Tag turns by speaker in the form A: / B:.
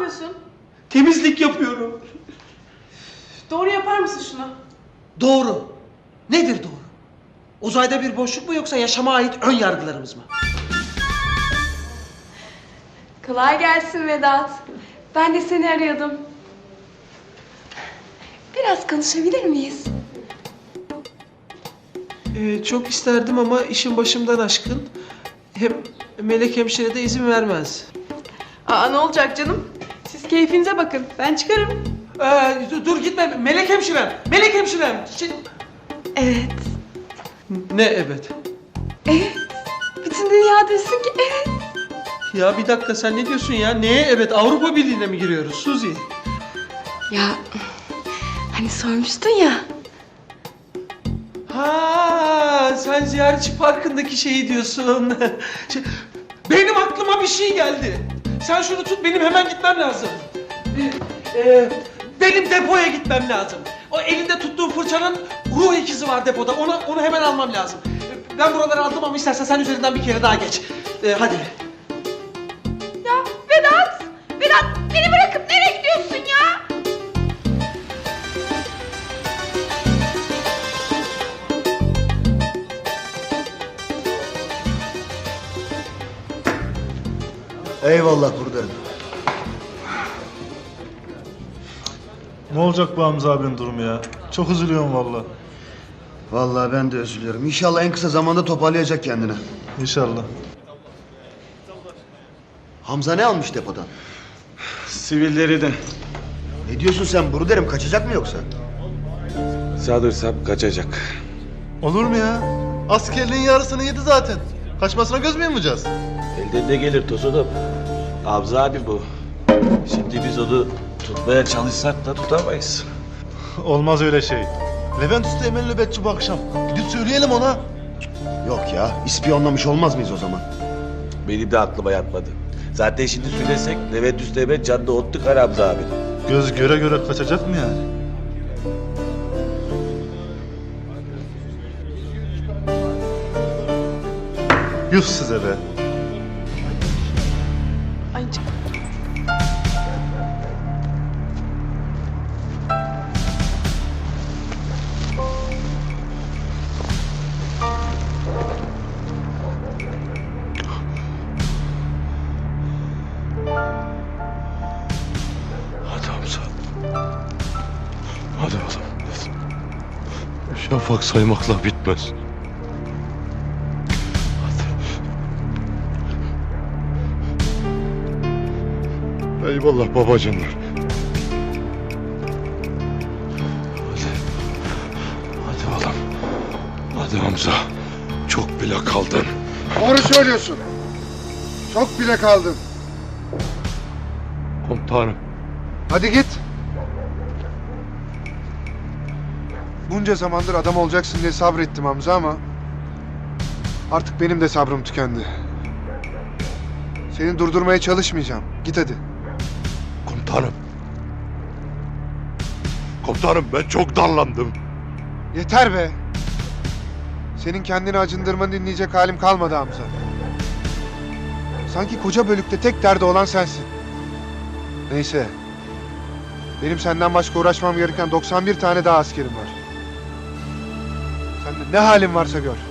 A: yapıyorsun?
B: Temizlik yapıyorum.
A: Doğru yapar mısın şunu?
B: Doğru. Nedir doğru? Uzayda bir boşluk mu yoksa yaşama ait ön yargılarımız mı?
A: Kolay gelsin Vedat. Ben de seni arıyordum. Biraz konuşabilir miyiz?
B: Çok isterdim ama işin başımdan aşkın. Hem Melek hemşire de izin vermez.
A: Aa, ne olacak canım? Siz keyfinize bakın. Ben çıkarım.
B: Dur gitme Melek hemşirem. Melek hemşirem.
A: Evet.
B: Ne evet?
A: Evet. Bütün dünya desin ki evet.
B: Ya bir dakika sen ne diyorsun ya? Neye evet? Avrupa Birliği'ne mi giriyoruz Suzi?
A: Ya hani sormuştun ya.
B: Ha, sen ziyaretçi parkındaki şeyi diyorsun. Benim aklıma bir şey geldi. Sen şunu tut, benim hemen gitmem lazım. Benim depoya gitmem lazım. O elinde tuttuğum fırçanın ruh ikizi var depoda. Onu hemen almam lazım. Ben buraları aldım ama istersen sen üzerinden bir kere daha geç. Hadi.
A: Ya Vedat! Vedat beni bırakıp nereye gidiyorsun ya?
C: Eyvallah buradayım.
D: Ne olacak bu Hamza abinin durumu ya? Çok üzülüyorum valla.
C: Vallahi ben de üzülüyorum. İnşallah en kısa zamanda toparlayacak kendini.
D: İnşallah.
C: Hamza ne almış depodan?
E: Sivilleri de.
C: Ne diyorsun sen buradayım? Kaçacak mı yoksa?
E: Sanırsam kaçacak.
D: Olur mu ya? Askerliğin yarısını yedi zaten. Kaçmasına göz mü yumacağız?
E: Elden ne gelir Tosunum? Hamza abi bu. Şimdi biz onu tutmaya çalışsak da tutamayız.
D: Olmaz öyle şey. Levent Usta Emel nöbetçi bu akşam. Gidip söyleyelim ona.
C: Yok ya. İspiyonlamış olmaz mıyız o zaman?
E: Benim de aklıma yatmadı. Zaten şimdi söylesek Levent Üsteğmen canını ottuk Hamza abi.
D: Göz göre göre kaçacak mı yani? Yuh size be.
A: Ay
E: Hadi Hamza. Hadi oğlum. Şafak saymakla bitmez. Hadi. Eyvallah babacanlar. Hadi oğlum. Hadi Hamza. Çok bile kaldın.
F: Doğru söylüyorsun. Çok bile kaldın.
E: Komutanım.
F: Hadi git. Bunca zamandır adam olacaksın diye sabrettim Hamza ama artık benim de sabrım tükendi. Seni durdurmaya çalışmayacağım. Git hadi.
E: Komutanım. Komutanım ben çok darlandım.
F: Yeter be. Senin kendini acındırmanı dinleyecek halim kalmadı Hamza. Sanki koca bölükte tek derdi olan sensin. Neyse. Benim senden başka uğraşmam gereken 91 tane daha askerim var. Sen de ne halin varsa gör.